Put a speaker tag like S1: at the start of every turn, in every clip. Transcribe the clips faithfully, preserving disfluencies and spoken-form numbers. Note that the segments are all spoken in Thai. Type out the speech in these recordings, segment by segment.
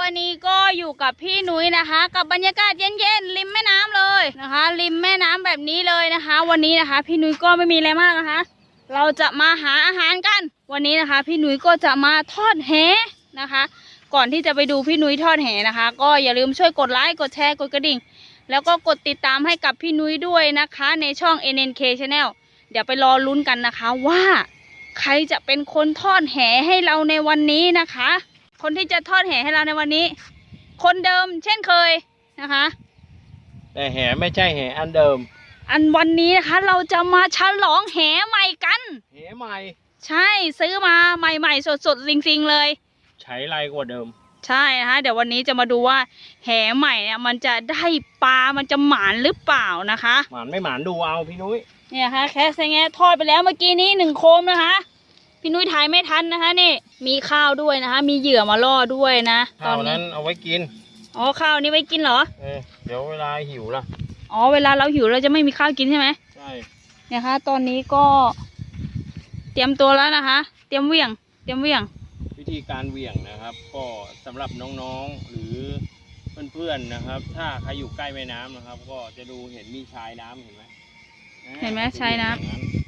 S1: วันนี้ก็อยู่กับพี่นุ้ยนะคะกับบรรยากาศเย็นๆริมแม่น้ำเลยนะคะริมแม่น้ำแบบนี้เลยนะคะ วันนี้นะคะพี่นุ้ยก็ไม่มีอะไรมากนะคะเราจะมาหาอาหารกันวันนี้นะคะพี่นุ้ยก็จะมาทอดแหนะคะ ก่อนที่จะไปดูพี่นุ้ยทอดแหนะคะ ก็อย่าลืมช่วยกดไลค์กดแชร์กดกระดิ่งแล้วก็กดติดตามให้กับพี่นุ้ยด้วยนะคะในช่อง เอ็น เอ็น เค Channel เดี๋ยวไปรอลุ้นกันนะคะว่าใครจะเป็นคนทอดแหให้เราในวันนี้นะคะคนที่จะทอดแหให้เราในวันนี้คนเดิมเช่นเคยนะคะ
S2: แต่แหไม่ใช่แหอันเดิม
S1: อันวันนี้นะคะเราจะมาฉลองแหใหม่กัน
S2: แหใหม่
S1: ใช่ซื้อมาใหม่ๆสดๆจริงๆเลย
S2: ใช้ไรกว่าเดิม
S1: ใช่นะคะเดี๋ยววันนี้จะมาดูว่าแหใหม่เนี่ยมันจะได้ปลามันจะหมานหรือเปล่านะคะ
S2: หมานไม่หมานดูเอาพี่นุ้ย
S1: เนี่ยค่ะแค่แงะทอดไปแล้วเมื่อกี้นี้หนึ่งโคมนะคะพี่นุ้ยถ่ายไม่ทันนะคะนี่มีข้าวด้วยนะคะมีเหยื่อมาล่อด้วยนะ
S2: ตอนนั้นเอาไว้กิน
S1: อ๋อข้าวนี้ไว้กินเหรอ
S2: เออเดี๋ยวเวลาหิวล่ะ
S1: อ๋อเวลาเราหิวเราจะไม่มีข้าวกินใช่ไหม
S2: ใช่
S1: เนี่ยค่ะตอนนี้ก็เตรียมตัวแล้วนะคะเตรียมเหวี่ยงเตรียมเหวี่ยง
S2: วิธีการเหวี่ยงนะครับก็สำหรับน้องๆหรือเพื่อนๆนะครับถ้าใครอยู่ใกล้แม่น้ำนะครับก็จะดูเห็นมีชายน้ำเห็นไหม
S1: เห็นไหมชายน้ำ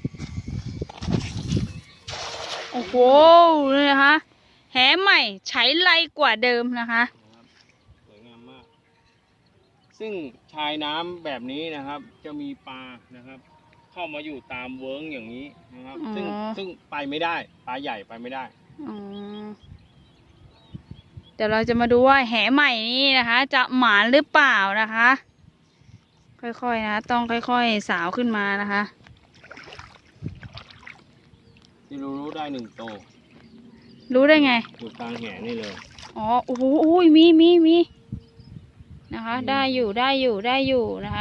S1: โอ้โหเลยนะคะแหใหม่ใช้ไรกว่าเดิมนะคะ
S2: สวยงามมากซึ่งชายน้ำแบบนี้นะครับจะมีปลานะครับเข้ามาอยู่ตามเวิ้งอย่างนี้นะครับซึ่งซึ่งไปไม่ได้ปลาใหญ่ไปไม่ได้
S1: เดี๋ยวเราจะมาดูว่าแหใหม่นี้นะคะจะหมานหรือเปล่านะคะค่อยๆนะต้องค่อยๆสาวขึ้นมานะคะ
S2: ที่รู้รู้ได้หนึ่งโต
S1: รู้ได้ไง
S2: อยู่กลางแหนี่เลย
S1: อ๋อโอ้โหมีมีมีนะคะได้อยู่ได้อยู่ได้อยู่นะคะ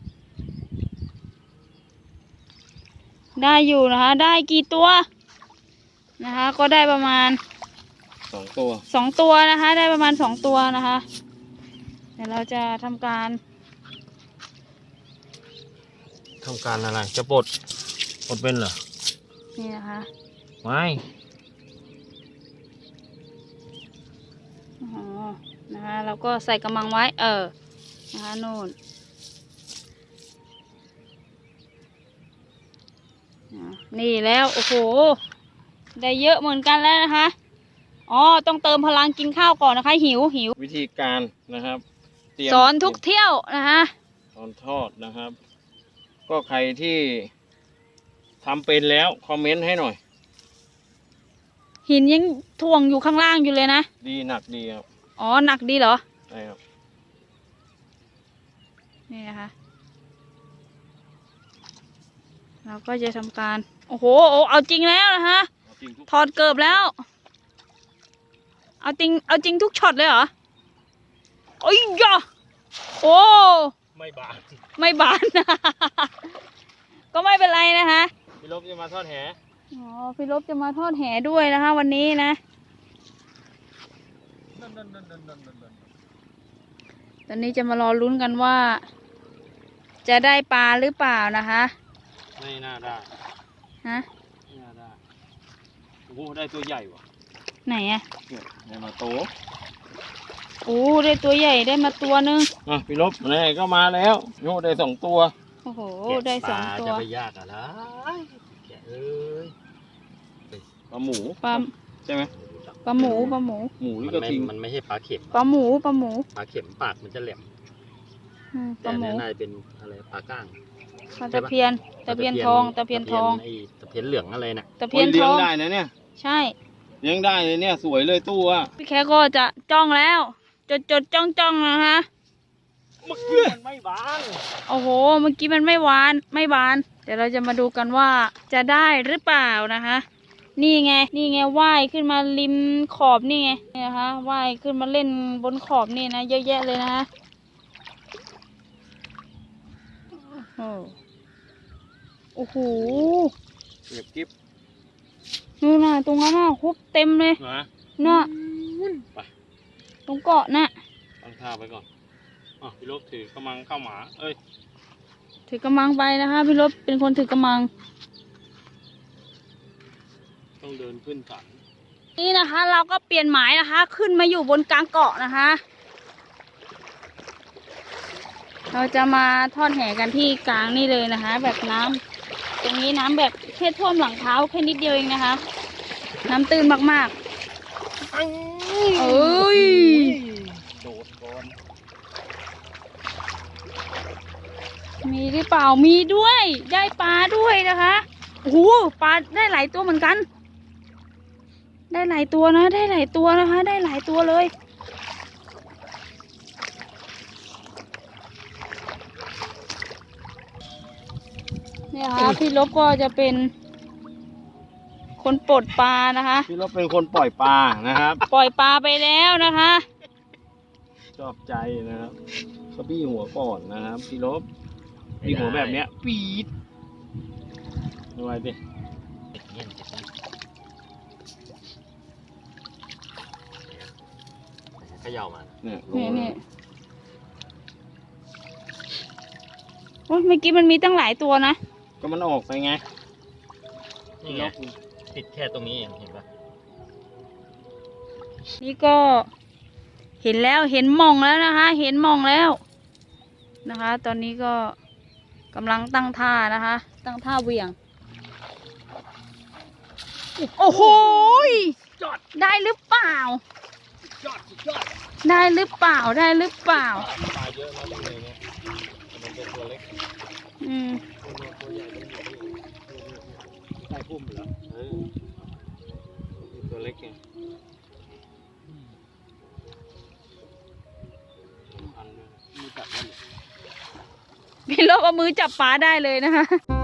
S1: ได้อยู่นะคะได้กี่ตัวนะคะก็ได้ประมาณ
S2: สองตัว
S1: สองตัวนะคะได้ประมาณสองตัวนะคะเดี๋ยวเราจะทำการ
S2: ทำการอะไรจะปลดปลดเป็นเหรอ
S1: นี่นะคะ
S2: ไม่
S1: อ๋อนะคะเราก็ใส่กระมังไว้เออนะคะโน่นนี่แล้วโอ้โหได้เยอะเหมือนกันแล้วนะคะอ๋อต้องเติมพลังกินข้าวก่อนนะคะหิวหิว
S2: วิธีการนะครับ
S1: สอนทุกเที่ยวนะคะ
S2: สอนทอดนะครับก็ใครที่ทำเป็นแล้วคอมเมนต์ให้หน่อย
S1: หินยังถ่วงอยู่ข้างล่างอยู่เลยนะ
S2: ดีหนักดีครับ
S1: อ๋อหนักดีเหรอ
S2: ใช่ครับ
S1: นี่นะคะเราก็จะทำการโอ้โหเอาจริงแล้วนะคะถอดเกิบแล้วเอาจริงเอาจริงทุกช็อตเลยเหรอโอ้ยย่อโอ้
S2: ไม่บาน
S1: ไม่บาน ก็ไม่เป็นไรนะคะ
S2: พี่ลบจะมาทอดแห
S1: อ๋อพี่ลบจะมาทอดแหด้วยนะคะวันนี้นะตอนนี้จะมารอลุ้นกันว่าจะได้ปลาหรือเปล่านะคะ
S2: ไม่น่าได้
S1: ฮะ
S2: ไม่น่าได้โอ้โหได้ตัวใหญ่ว่ะ
S1: ไหนอะ
S2: ได้มาโต
S1: โอ้ได้ตัวใหญ่ได้มาตัวนึง
S2: อ่ะพี่ลบนี่ก็มาแล้วโยได้สองตัว
S1: โอ้โหได้สองตัว
S2: จะไปยากอะไรแกเอ้ยปลาหมู
S1: ปลา
S2: ใช่ไหม
S1: ปลาหมูปลาหมู
S2: หมูนี่ก็ทิ้ง
S3: มันไม่ใช่ปลาเข็ม
S1: ปลาหมูปลาหมู
S3: ปลาเข็มปากมันจะแหลมแต่เนี่ยน่าจะเป็นอะไรปลาก้าง
S1: ปลาตะเพียนตะเพียนทองตะเพียนทอง
S3: ไอ้ตะเพียนเหลืองอะไรน่ะ
S1: ตะเพียนทอง
S2: ได้นะเนี่ย
S1: ใช่
S2: เลี้ยงได้เลยเนี่ยสวยเลยตู้อ่ะ
S1: พี่แค่ก็จะจ้องแล้วจดจดจ้องจ้องนะคะ
S2: เมื่อกี้มันไม่บาน
S1: โอ้โหเมื่อกี้มันไม่หวานไม่บานเดี๋ยวเราจะมาดูกันว่าจะได้หรือเปล่านะคะนี่ไงนี่ไงว่ายขึ้นมาริมขอบนี่ไงนี่นะคะว่ายขึ้นมาเล่นบนขอบนี่นะเยอะแยะเลยนะคะโอ้โห
S2: เก็บกิ๊บ
S1: นู่นน่ะตรงนั้นน่ะคุบเต็มเลยน่ะตรงเกาะน่ะ
S2: ตั้งท่าไปก่อนอ๋อพี่ลบถือกระมังเข้าหมาเอ้ย
S1: ถือกระมังไปนะคะพี่ลบเป็นคนถือกระมัง
S2: ต้องเดินขึ้นสัน
S1: นี่นะคะเราก็เปลี่ยนหมายนะคะ ขึ้นมาอยู่บนกลางเกาะนะคะ เราจะมาทอดแห่กันที่กลางนี่เลยนะคะ แบบน้ำตรงนี้น้ำแบบแค่ท่วมหลังเท้าแค่นิดเดียวเองนะคะ น้ำตื้นมากๆเอ้ย
S3: โดดก่อน
S1: มีหรือเปล่ามีด้วยได้ปลาด้วยนะคะโอ้โหปลาได้หลายตัวเหมือนกัน ได้หลายตัวนะได้หลายตัวนะคะ ได้หลายตัวเลยเนี่ยค่ะพี่ลบก็จะเป็นคนปลดปลานะคะ
S2: พี่ลบเป็นคนปล่อยปลานะครับ
S1: ปล่อยปลาไปแล้วนะคะ
S2: ชอบใจนะครับเขาบี้หัวก่อนนะครับพี่ลบบี้หัวแบบเนี้ยปี๊ดดูไว้ดิ
S3: ติดเงี้ยนติดเงี้ยนเขย่ามา
S2: เนี่ยลง
S1: นี่
S2: มา
S1: นี่โอ้ยเมื่อกี้มันมีตั้งหลายตัวนะ
S2: ก็มันออกไปไง
S3: นี่ไงติดแค่ตรงนี้เองเห็นปะ
S1: นี่ก็เห็นแล้วเห็นหมองแล้วนะคะ เห็นหมองแล้วนะคะ ตอนนี้ก็กำลังตั้งท่านะคะ ตั้งท่าเหวี่ยง โอ้โหยได้หรือเปล่า
S2: ยอดสุดยอด
S1: ได้หรือเปล่าได้หรือเปล่า
S3: ปลาเยอะมากเลยเนี่ยมันเป็นตัวเล็ก
S1: อืม
S3: ตัวใหญ่มันอยู่ที่ใต้พุ่มเหรอเออตัวเล็กไงอันนึงมีจับมัน
S1: พี่โลกเอามือจับปลาได้เลยนะคะ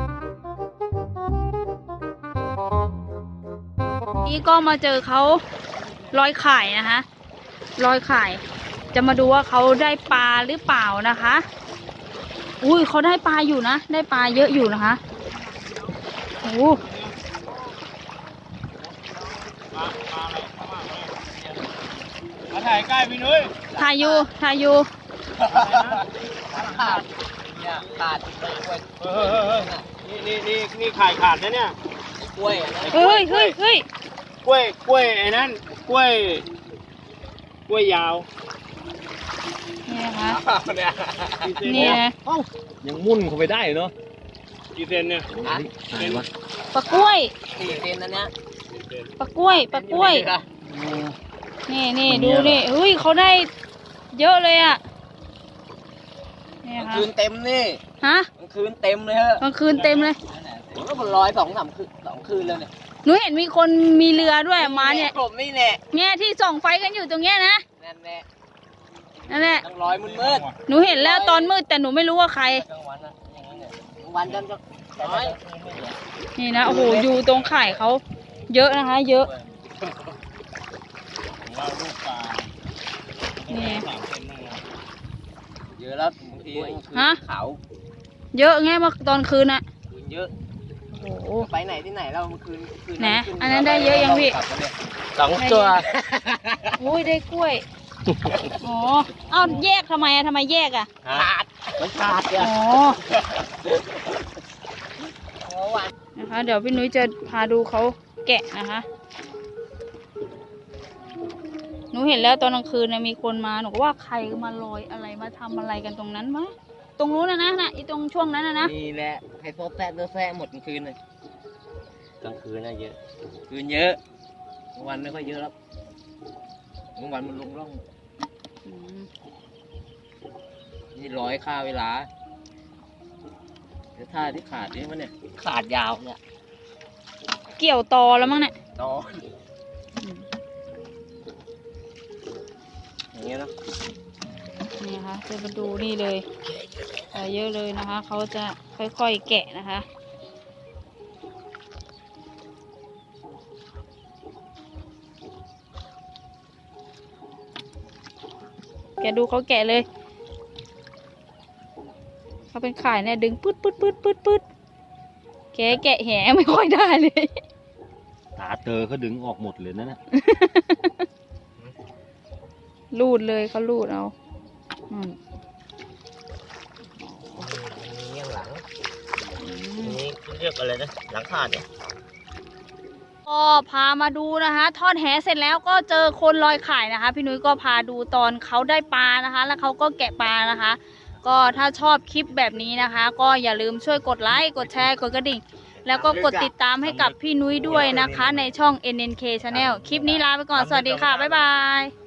S1: นี่ก็มาเจอเขาลอยข่ายนะคะลอยข่าย จะมาดูว่าเขาได้ปลาหรือเปล่านะคะ อุ้ยเขาได้ปลาอยู่นะ ได้ปลาเยอะอยู่นะคะโอ้
S2: ปลาปลาอะไรเข้ามาเลยมาถ่ายใกล้พี่นุ้ย
S1: ถ่ายอยู่ถ่ายอยู่
S3: ขาดเนี่ยขาดไปกล้วย
S2: เฮ้ยเฮ้ยเฮ้ยนี่นี่นี่นี่ขายขาดนะเนี่ย
S3: กล้วยอะไร
S1: เฮ้ยเฮ้ยเฮ้ย
S2: กล้วยกล้วยไอ้นั่นกล้วยกล้วยยาว
S1: นี่นะคะ
S3: เนี่ย
S2: กี่เซน
S1: นี่
S2: เนี่ย
S1: นะ
S2: เอ้า
S3: ยังมุ่นเข้าไปได้เนาะ
S2: กี่เซนเนี่ย
S3: เป็นวะ
S1: ปลากล้วย
S3: สี่เซนนะเนี่ย
S2: กี่เซน
S1: ปลากล้วยปลากล้วย นี่นี่ดูนี่เฮ้ยเขาได้เยอะเลยอ่ะนี่
S3: กลาง
S1: ค่ะ
S3: คืนเต็มนี่
S1: ฮะ
S3: กลางคืนเต็มเลยฮะ
S1: กลางคืนเต็มเลย
S3: ผมก็ร้อยสองสามคืนสองคืนแล้วเนี่ย
S1: หนูเห็นมีคนมีเรือด้วยมาเนี่ย
S3: ผมนี่แน่
S1: เนี่ยที่ส่องไฟกันอยู่ตรงเนี้ยนะ
S3: นั่นแน่
S1: นั่นแหละ
S3: ต้องร้อยมืดมืด
S1: หนูเห็นแล้วตอนมืดแต่หนูไม่รู้ว่าใคร
S3: กลางวันนะอย่างนั้นเนี่ยกลางวันจนจะร้อย
S1: นี่นะโอ้โหอยู่ตรงข่ายเขาเยอะนะคะ เยอะ
S2: ของเราลูกปลา
S1: นี่
S2: สามเซนนั่นแหละ
S3: เยอะแล้วบางที
S1: ฮะ
S3: ขาว
S1: เยอะไงมาตอนคืนอะ
S3: คืนเยอะ
S1: โอ้โห
S3: ไปไหนที่ไหนเราเมื่อคืนคืน
S1: ไหน
S3: ขึ้
S1: อันนั้นได้เยอะยังพี่
S3: สองตัว
S1: อุ้ยได้กล้วยอ๋อเอ้าแยกทำไมอะทำไมแยกอะ
S3: ขาดมันขาดเนี่ย
S1: อ๋อ
S3: โอ้วัน
S1: นะคะ เดี๋ยวพี่นุ้ยจะพาดูเขาแกะนะคะ หนูเห็นแล้วตอนกลางคืนนะมีคนมาหนูก็ว่าใครมาลอยอะไรมาทำอะไรกันตรงนั้นวะตรงนู้นนะนะนะอีตรงช่วงนั้นนะนะ
S3: นี่แหละให้โซ่แซ่โซ่แซ่หมดกลางคืนเลยกลางคืนน่ะเยอะคืนเยอะกลางวันไม่ค่อยเยอะแล้วกลางวันมันลงร่อง
S1: อืม
S3: นี่ร้อยค่าเวลาเดี๋ยวท่าที่ขาดนี่มันเนี่ยขาดยาวเนี่ย
S1: เกี่ยวตอแล้วมั้งเนี่ย
S3: ตอน อย่างเงี้ยเนาะ
S1: นี่นะคะจะมาดูนี่เลยเออเยอะเลยนะคะ เขาจะค่อยๆแกะนะคะ แกะดูเขาแกะเลย เขาเป็นข่ายเนี่ยดึงปึ๊ดปึ๊ดปึ๊ดปึ๊ดปึ๊ดแกะแกะแหไม่ค่อยได้เลย
S3: ตาเตอเขาดึงออกหมดเลยนะนะ
S1: รูดเลยเขารูดเอาอืม
S3: มีเงี้ยหลังนี่เรียกอะไรนะหลังขาดเนี่ย
S1: ก็ก็พามาดูนะคะทอดแหเสร็จแล้วก็เจอคนลอยข่ายนะคะ พี่นุ้ยก็พาดูตอนเขาได้ปลานะคะ แล้วเขาก็แกะปลานะคะ ก็ถ้าชอบคลิปแบบนี้นะคะ ก็อย่าลืมช่วยกดไลค์กดแชร์กดกระดิ่งแล้วก็กดติดตามให้กับพี่นุ้ยด้วยนะคะ ในช่อง เอ็น เอ็น เค Channel คลิปนี้ลาไปก่อนสวัสดีค่ะบ๊ายบาย